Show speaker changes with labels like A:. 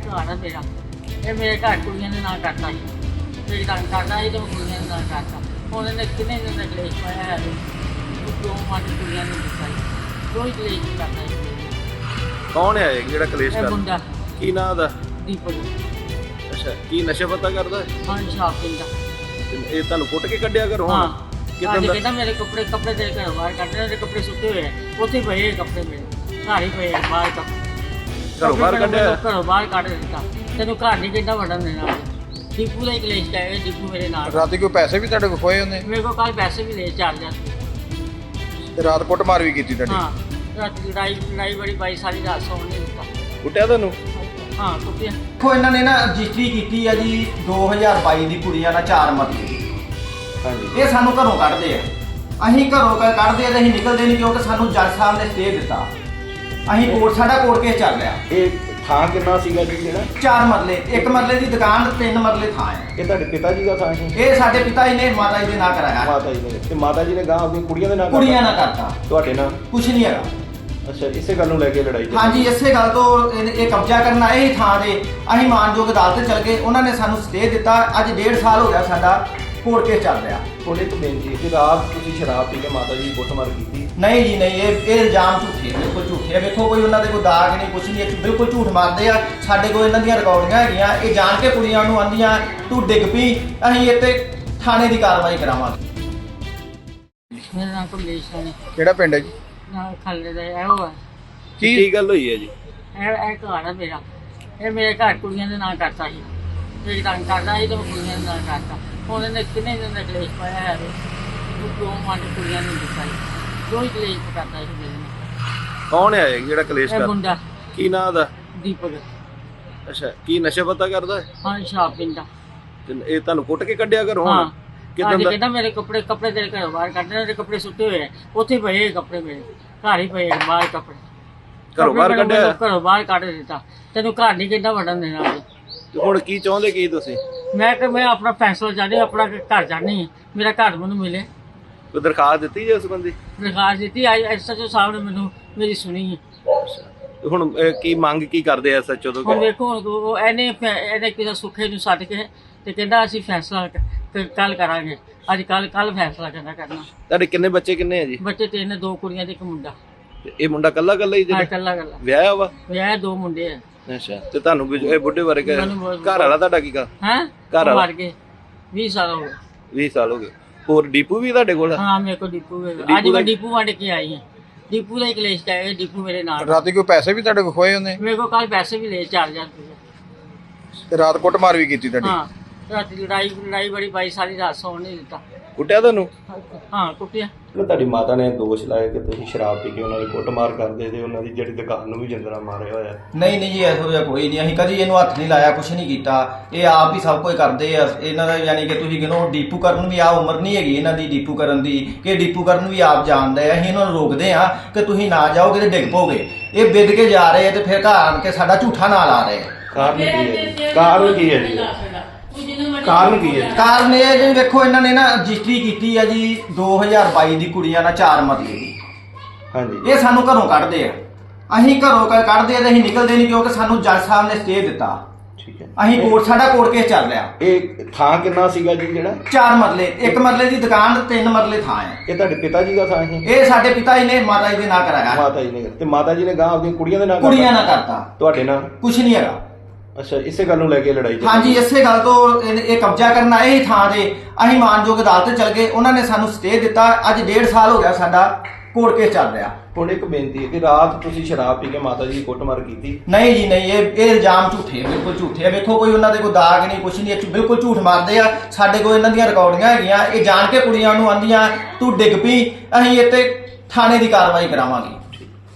A: ਘਰ ਆ ਮੇਰਾ। ਇਹ ਮੇਰੇ ਘਰ ਕੁੜੀਆਂ ਦੇ ਨਾਂ ਕਰਤਾ ਸੀ, ਮੇਰੀ ਤੰਗ ਕਰਦਾ ਸੀ ਤੇ ਮੈਂ ਕੁੜੀਆਂ ਦੇ ਨਾਂ ਕਰਤਾ। ਹੁਣ ਇਹਨੇ ਕਿੰਨੇ ਦਿਨ ਦਾ ਕਲੇਸ਼ ਪਾਇਆ ਹੈ, ਦੋ ਮਾਂ ਕੁੜੀਆਂ ਨੂੰ ਦਿੱਤਾ ਸੀ, ਕੋਈ ਕਲੇਸ਼ ਨਹੀਂ ਕਰਦਾ ਸੀ।
B: ਕੌਣ ਹੈ ਇਹ ਜਿਹੜਾ ਕਲੇਸ਼
A: ਇਹ
B: ਕਰਦਾ?
A: ਮੁੰਡਾ
B: ਕੀ ਨਾਂ ਦਾ?
A: ਦੀਪਕ।
B: ਅੱਛਾ, ਕੀ ਨਸ਼ਾ ਪਤਾ ਕਰਦਾ ਹੈ?
A: ਹਾਂ, ਸ਼ਾਪ ਪੀਂਦਾ।
B: ਤੇ ਇਹ ਤੁਹਾਨੂੰ ਕੁੱਟ ਕੇ ਕੱਢਿਆ ਘਰੋਂ?
A: ਹਾਂ,
B: ਕਿੱਦਾਂ
A: ਅੱਜ
B: ਦਾ?
A: ਕਹਿੰਦਾ ਮੇਰੇ ਕੱਪੜੇ ਤੇਰੇ ਘਰੋਂ ਬਾਹਰ ਕੱਢ ਰਹੇ, ਕੱਪੜੇ ਸੁੱਤੇ ਹੋਏ ਆ, ਉੱਥੇ ਪਏ ਕੱਪੜੇ ਮੇਰੇ ਘਰ ਹੀ ਪਏ ਬਾਹਰ ਕੱਪੜੇ।
B: ਘਰੋਂ ਬਾਹਰ ਕੱਢਿਆ?
A: ਘਰੋਂ ਬਾਹਰ ਕੱਢ ਦਿੱਤਾ। ਤੈਨੂੰ ਘਰ ਨਹੀਂ ਕਿੱਦਾਂ ਵੜਨ ਦੇਣਾ। ਦੀਪੂ ਦਾ ਹੀ ਕਲੇਸ਼ ਹੈ, ਦੀਪੂ ਮੇਰੇ ਨਾਲ।
C: ਰਾਤੀ ਕੋਈ ਪੈਸੇ ਵੀ ਤੁਹਾਡੇ ਕੋਲ ਖੋਏ ਉਹਨੇ?
A: ਮੇਰੇ ਕੋਲ ਕੱਲ ਪੈਸੇ ਵੀ ਲਏ 4000
C: ਤੇ ਰਾਤ ਕੁੱਟਮਾਰ ਵੀ ਕੀਤੀ ਤੁਹਾਡੀ?
A: ਹਾਂ, ਰਾਤੀ ਲੜਾਈ ਬੜੀ ਪਾਈ, ਸਾਰੀ ਰਾਤ ਸੌਣ ਨਹੀਂ ਦਿੱਤਾ।
B: ਕੁੱਟਿਆ ਤੁਹਾਨੂੰ?
A: ਹਾਂ, ਕੁੱਟਿਆ।
D: ਦੇਖੋ ਇਹਨਾਂ ਨੇ ਨਾ ਰਜਿਸਟਰੀ ਕੀਤੀ ਆ ਜੀ 2022 ਦੀ ਕੁੜੀਆਂ ਨਾਲ 4 ਮਰਲੇ।
B: ਹਾਂਜੀ।
D: ਇਹ ਸਾਨੂੰ ਘਰੋਂ ਕੱਢਦੇ ਆ, ਅਸੀਂ ਘਰੋਂ ਕੱਢਦੇ ਆ ਤੇ ਅਸੀਂ ਨਿਕਲਦੇ ਨਹੀਂ, ਕਿਉਂਕਿ ਸਾਨੂੰ ਜੱਜ ਸਾਹਿਬ ਨੇ ਸਟੇ ਦਿੱਤਾ। ਅਸੀਂ ਸਾਡਾ ਕੋਰਟ ਕੇਸ ਚੱਲ ਰਿਹਾ।
B: ਇਹ ਥਾਂ ਕਿੰਨਾ ਸੀਗਾ ਜੀ ਜਿਹੜਾ?
D: 4 ਮਰਲੇ, 1 ਮਰਲੇ ਦੀ ਦੁਕਾਨ, 3 ਮਰਲੇ ਥਾਂ ਹੈ।
B: ਇਹ ਤੁਹਾਡੇ ਪਿਤਾ ਜੀ ਦਾ ਥਾਂ ਸੀ?
D: ਇਹ ਸਾਡੇ ਪਿਤਾ ਜੀ ਨੇ ਮਾਤਾ ਜੀ ਦੇ ਨਾਂ ਕਰਾਇਆ।
B: ਮਾਤਾ ਜੀ ਨੇ? ਤੇ ਮਾਤਾ ਜੀ ਨੇ ਗਾਂ ਆਪਣੀ ਕੁੜੀਆਂ ਦੇ ਨਾਂ
D: ਕੁੜੀਆਂ ਨਾਲ ਕਰਤਾ,
B: ਤੁਹਾਡੇ ਨਾਲ
D: ਕੁਛ ਨਹੀਂ ਹੈਗਾ।
B: ਅੱਛਾ, ਇਸੇ ਗੱਲ ਨੂੰ ਲੈ ਕੇ ਲੜਾਈ ਚੱਲੀ?
D: ਹਾਂਜੀ, ਇਸੇ ਗੱਲ ਤੋਂ ਇਹ ਕਬਜ਼ਾ ਕਰਨ ਆਏ ਹੀ ਥਾਂ ਦੇ। ਅਸੀਂ ਮਾਨਯੋਗ ਅਦਾਲਤ ਚਲ ਗਏ, ਉਹਨਾਂ ਨੇ ਸਾਨੂੰ ਸਟੇ ਦਿੱਤਾ। ਅੱਜ 1.5 ਸਾਲ ਹੋ ਗਿਆ ਸਾਡਾ ਕੋਰਟ ਕੇਸ ਚੱਲ ਰਿਹਾ।
B: ਕੋਲੇ ਇੱਕ ਬੇਨਤੀ ਕਿ ਰਾਤ ਤੁਸੀਂ ਸ਼ਰਾਬ ਪੀ ਕੇ ਮਾਤਾ ਜੀ ਦੀ ਕੁੱਟਮਾਰ ਕੀਤੀ?
D: ਨਹੀਂ ਜੀ ਨਹੀਂ, ਇਹ ਇਲਜ਼ਾਮ ਝੂਠੇ, ਬਿਲਕੁਲ ਝੂਠੇ ਆ। ਵੇਖੋ ਕੋਈ ਉਹਨਾਂ ਦੇ ਕੋਈ ਦਾਗ ਨਹੀਂ, ਕੁਛ ਨਹੀਂ, ਇਹ ਬਿਲਕੁਲ ਝੂਠ ਮਾਰਦੇ ਆ। ਸਾਡੇ ਕੋਲ ਇਹਨਾਂ ਦੀਆਂ ਰਿਕਾਰਡਿੰਗਾਂ ਹੈਗੀਆਂ। ਇਹ ਜਾਣ ਕੇ ਕੁੜੀਆਂ ਨੂੰ ਆਂਦੀਆਂ ਤੂੰ ਡਿੱਗ ਪਈ, ਅਸੀਂ ਇੱਥੇ ਥਾਣੇ ਦੀ ਕਾਰਵਾਈ ਕਰਾਵਾਂਗੇ।
A: ਮੇਰਾ ਨਾਮ ਕਮਲੇਸ਼ ਰਾਣੀ।
C: ਕਿਹੜਾ ਪਿੰਡ ਹੈ ਜੀ?
A: ਨਾਲ ਖੱਲੇ ਦਾ ਇਹੋ ਹੈ।
B: ਕੀ ਗੱਲ ਹੋਈ ਹੈ ਜੀ?
A: ਇਹ ਘਰ ਆ ਮੇਰਾ। ਇਹ ਮੇਰੇ ਘਰ ਕੁੜੀਆਂ ਦੇ ਨਾਂ ਕਰਤਾ ਸੀ, ਮੇਰੀ ਤੰਗ ਕਰਦਾ ਸੀ ਤੇ ਮੈਂ ਕੁੜੀਆਂ ਦੇ ਨਾਂ ਕਰਤਾ। ਹੁਣ ਇਹਨੇ ਕਿੰਨੇ ਦਿਨ ਦਾ ਕਲੇਸ਼ ਪਾਇਆ ਹੈ, ਦੋ ਮਾਂ ਕੁੜੀਆਂ ਨੂੰ ਦਿੱਤਾ ਸੀ, ਕੋਈ ਕਲੇਸ਼ ਕਰਦਾ ਸੀ ਮੇਰੇ ਨਾਲ।
B: ਕੌਣ ਹੈ ਇਹ ਜਿਹੜਾ ਕਲੇਸ਼
A: ਇਹ
B: ਕਰਦਾ?
A: ਮੁੰਡਾ
B: ਕੀ ਨਾਂ ਦਾ?
A: ਦੀਪਕ।
B: ਅੱਛਾ, ਕੀ ਨਸ਼ਾ ਪਤਾ ਕਰਦਾ ਹੈ?
A: ਹਾਂ, ਸ਼ਾਪ ਪੀਂਦਾ।
B: ਤੇ ਇਹ ਤੁਹਾਨੂੰ ਕੁੱਟ ਕੇ ਕੱਢਿਆ ਘਰੋਂ?
A: ਹਾਂ,
B: ਕਿੱਦਾਂ
A: ਅੱਜ
B: ਦਾ?
A: ਕਹਿੰਦਾ ਮੇਰੇ ਕੱਪੜੇ ਤੇਰੇ ਘਰੋਂ ਬਾਹਰ ਕੱਢ ਰਹੇ, ਕੱਪੜੇ ਸੁੱਤੇ ਹੋਏ ਆ, ਉੱਥੇ ਪਏ ਕੱਪੜੇ ਮੇਰੇ ਘਰ ਹੀ ਪਏ ਬਾਹਰ ਕੱਪੜੇ।
B: ਘਰੋਂ ਬਾਹਰ
A: ਕੱਪੜੇ
B: ਕੱਢਿਆ?
A: ਘਰੋਂ ਬਾਹਰ ਕੱਢ ਦਿੱਤਾ। ਤੈਨੂੰ ਘਰ ਨਹੀਂ ਕਿੱਦਾਂ ਵੜਨ ਦੇਣਾ।
B: ਤੇ ਹੁਣ ਕੀ ਚਾਹੁੰਦੇ ਕੀ ਤੁਸੀਂ?
A: ਮੈਂ ਆਪਣਾ ਫੈਸਲਾ ਚਾਹਦੀ, ਆਪਣਾ ਘਰ ਚਾਹਨੀ, ਮੇਰਾ ਘਰ ਮੈਨੂੰ ਮਿਲੇ।
B: ਕੋਈ ਦਰਖਾਸਤ ਦਿੱਤੀ ਜੇ ਉਸ ਬੰਦੀ?
A: ਦਰਖਾਸਤ ਦਿੱਤੀ, ਐਸਐਚਓ ਸਾਹਿਬ ਨੇ ਮੈਨੂੰ ਮੇਰੀ ਸੁਣੀ ਹੈ।
B: ਤੇ ਹੁਣ ਕੀ ਮੰਗ ਕੀ ਕਰਦੇ ਆ ਐਸਐਚਓ ਤੋਂ?
A: ਹੁਣ ਵੇਖੋ, ਹੁਣ ਇਹਨੇ ਕਿਸੇ ਸੁੱਖੇ ਨੂੰ ਸੱਦ ਕੇ ਤੇ ਕਹਿੰਦਾ ਅਸੀਂ ਫੈਸਲਾ ਕੱਲ ਕਰਾਂਗੇ। ਅੱਜ ਕੱਲ ਫੈਸਲਾ ਕਰਨਾ।
B: ਤੁਹਾਡੇ ਕਿੰਨੇ ਬੱਚੇ ਕਿੰਨੇ ਆ ਜੀ?
A: ਬੱਚੇ 3, 2 ਕੁੜੀਆਂ ਤੇ 1 ਮੁੰਡਾ।
B: ਤੇ ਇਹ ਮੁੰਡਾ ਕੱਲਾ ਕੱਲਾ ਹੀ
A: ਹਾਂ,
B: ਜਿਹੜਾ
A: ਕੱਲਾ
B: ਵਿਆਹਿਆ ਵਾ?
A: ਵਿਆਹ 2 ਮੁੰਡੇ ਆ।
B: ਅੱਛਾ, ਤੇ ਤੁਹਾਨੂੰ ਇਹ ਬੁੱਢੇ ਬਾਰੇ ਘਰ
A: ਮੈਨੂੰ
B: ਵਾਲਾ ਤੁਹਾਡਾ ਕੀ ਕਰ?
A: ਹੈਂ?
B: ਘਰ ਵਾਲਾ?
A: ਮਰ ਗਏ 20 ਸਾਲ ਹੋ ਗਏ।
B: 20 ਸਾਲ ਹੋ ਗਏ। ਹੋਰ ਡੀਪੂ ਵੀ ਤੁਹਾਡੇ ਕੋਲ?
A: ਹਾਂ, ਮੇਰੇ ਕੋਲ ਦੀਪੂ ਹੈ। ਅੱਜ ਮੈਂ ਦੀਪੂ ਵੰਡ ਕੇ ਆਈ ਹਾਂ। ਦੀਪੂ ਦਾ ਹੀ ਕਲੇਸ਼ ਹੈ, ਦੀਪੂ ਮੇਰੇ ਨਾਲ।
C: ਰਾਤੀ ਕੋਈ ਪੈਸੇ ਵੀ ਤੁਹਾਡੇ ਕੋਲ ਖੋਏ ਉਹਨੇ?
A: ਮੇਰੇ ਕੋਲ ਕੱਲ ਪੈਸੇ ਵੀ ਲਏ 4000 ਰੁਪਏ।
C: ਤੇ ਰਾਤ ਕੁੱਟਮਾਰ ਵੀ ਕੀਤੀ ਤੁਹਾਡੀ?
A: ਹਾਂ, ਰਾਤੀ ਲੜਾਈ ਬੜੀ ਪਾਈ, ਸਾਰੀ ਰਾਤ ਸੌਣ ਨਹੀਂ ਦਿੱਤਾ।
B: ਕੁੱਟਿਆ ਤੁਹਾਨੂੰ?
A: ਹਾਂ, ਕੁੱਟਿਆ।
B: ਤੁਹਾਡੀ ਮਾਤਾ ਨੇ ਦੋਸ਼ ਲਾਇਆ ਕਿ ਤੁਸੀਂ ਸ਼ਰਾਬ ਪੀ ਕੇ ਉਹਨਾਂ ਦੀ ਕੁੱਟਮਾਰ ਕਰਦੇ ਤੇ ਉਹਨਾਂ ਦੀ ਜਿਹੜੀ ਦੁਕਾਨ ਨੂੰ ਵੀ ਜਿੰਦਰਾ ਮਾਰਿਆ ਹੋਇਆ।
D: ਨਹੀਂ ਜੀ, ਇਹੋ ਜਿਹਾ ਕੋਈ ਨਹੀਂ। ਅਸੀਂ ਕਦੀ ਇਹਨੂੰ ਹੱਥ ਨਹੀਂ ਲਾਇਆ, ਕੁਛ ਨਹੀਂ ਕੀਤਾ। ਇਹ ਆਪ ਹੀ ਸਭ ਕੁਝ ਕਰਦੇ ਆ। ਇਹਨਾਂ ਦਾ ਯਾਨੀ ਕਿ ਤੁਸੀਂ ਕਹਿੰਦੇ ਡੀਪੂ ਕਰਨ ਵੀ ਆ ਉਮਰ ਨਹੀਂ ਹੈਗੀ ਇਹਨਾਂ ਦੀ ਡੀਪੂ ਕਰਨ ਦੀ, ਕਿ ਡੀਪੂ ਕਰਨ ਵੀ ਆਪ ਜਾਣਦੇ ਆ। ਅਸੀਂ ਇਹਨਾਂ ਨੂੰ ਰੋਕਦੇ ਆ ਕਿ ਤੁਸੀਂ ਨਾ ਜਾਓਗੇ ਤੇ ਡਿੱਗ ਪੋਗੇ। ਇਹ ਵਿਦ ਕੇ ਜਾ ਰਹੇ ਆ ਤੇ ਫਿਰ ਘਰ ਆਣ ਕੇ ਸਾਡਾ ਝੂਠਾ ਨਾਂ ਲਾ ਰਹੇ ਆ।
B: ਕਾਰਨ ਕੀ ਹੈ? ਕਾਰਨ ਕੀ ਹੈ ਜੀ? ਕਾਰਨ ਕੀ ਹੈ?
D: ਕਾਰਨ ਇਹ ਜੀ, ਵੇਖੋ ਇਹਨਾਂ ਨੇ ਨਾ ਰਜਿਸਟਰੀ ਕੀਤੀ ਆ ਜੀ 2022 ਦੀ ਕੁੜੀਆਂ ਨਾਲ 4 ਮਰਲੇ ਦੀ।
B: ਹਾਂਜੀ।
D: ਇਹ ਸਾਨੂੰ ਘਰੋਂ ਕੱਢਦੇ ਆ, ਅਸੀਂ ਘਰੋਂ ਕੱਢਦੇ ਆ ਤੇ ਅਸੀਂ ਨਿਕਲਦੇ ਨਹੀਂ, ਕਿਉਂਕਿ ਸਾਨੂੰ ਜੱਜ ਸਾਹਿਬ ਨੇ ਸਟੇ ਦਿੱਤਾ।
B: ਠੀਕ ਹੈ।
D: ਅਸੀਂ ਸਾਡਾ ਕੋਰਟ ਕੇਸ ਚੱਲ ਰਿਹਾ।
B: ਇਹ ਥਾਂ ਕਿੰਨਾ ਸੀਗਾ ਜੀ ਜਿਹੜਾ?
D: 4 ਮਰਲੇ, 1 ਮਰਲੇ ਦੀ ਦੁਕਾਨ, 3 ਮਰਲੇ ਥਾਂ ਹੈ।
B: ਇਹ ਤੁਹਾਡੇ ਪਿਤਾ ਜੀ ਦਾ ਥਾਂ ਸੀ?
D: ਇਹ ਸਾਡੇ ਪਿਤਾ ਜੀ ਨੇ ਮਾਤਾ ਜੀ ਦੇ ਨਾਂ ਕਰਾਇਆ।
B: ਮਾਤਾ ਜੀ ਨੇ? ਤੇ ਮਾਤਾ ਜੀ ਨੇ ਗਾਂ ਆਪਣੀ ਕੁੜੀਆਂ ਦੇ ਨਾਂ
D: ਕੁੜੀਆਂ ਨਾਲ ਕਰਤਾ,
B: ਤੁਹਾਡੇ ਨਾਲ?
D: ਕੁਛ ਨਹੀਂ ਹੈਗਾ।
B: ਅੱਛਾ, ਇਸੇ ਗੱਲ ਨੂੰ ਲੈ ਕੇ ਲੜਾਈ ਚੱਲੀ?
D: ਹਾਂਜੀ, ਇਸੇ ਗੱਲ ਤੋਂ ਇਹ ਕਬਜ਼ਾ ਕਰਨ ਆਏ ਹੀ ਥਾਂ ਦੇ। ਅਸੀਂ ਮਾਨਯੋਗ ਅਦਾਲਤ ਚਲ ਗਏ, ਉਹਨਾਂ ਨੇ ਸਾਨੂੰ ਸਟੇ ਦਿੱਤਾ। ਅੱਜ 1.5 ਸਾਲ ਹੋ ਗਿਆ ਸਾਡਾ ਕੋਰਟ ਕੇਸ ਚੱਲ ਰਿਹਾ।
B: ਹੁਣ ਇੱਕ ਬੇਨਤੀ ਹੈ ਕਿ ਰਾਤ ਤੁਸੀਂ ਸ਼ਰਾਬ ਪੀ ਕੇ ਮਾਤਾ ਜੀ ਦੀ ਕੁੱਟਮਾਰ ਕੀਤੀ?
D: ਨਹੀਂ ਜੀ ਨਹੀਂ, ਇਹ ਇਲਜ਼ਾਮ ਝੂਠੇ, ਬਿਲਕੁਲ ਝੂਠੇ ਆ। ਵੇਖੋ ਕੋਈ ਉਹਨਾਂ ਦੇ ਕੋਈ ਦਾਗ ਨਹੀਂ, ਕੁਛ ਨਹੀਂ, ਇਹ ਬਿਲਕੁਲ ਝੂਠ ਮਾਰਦੇ ਆ। ਸਾਡੇ ਕੋਲ ਇਹਨਾਂ ਦੀਆਂ ਰਿਕਾਰਡਿੰਗਾਂ ਹੈਗੀਆਂ। ਇਹ ਜਾਣ ਕੇ ਕੁੜੀਆਂ ਨੂੰ ਆਂਦੀਆਂ ਤੂੰ ਡਿੱਗ ਪਈ, ਅਸੀਂ ਇੱਥੇ ਥਾਣੇ ਦੀ ਕਾਰਵਾਈ ਕਰਾਵਾਂਗੇ।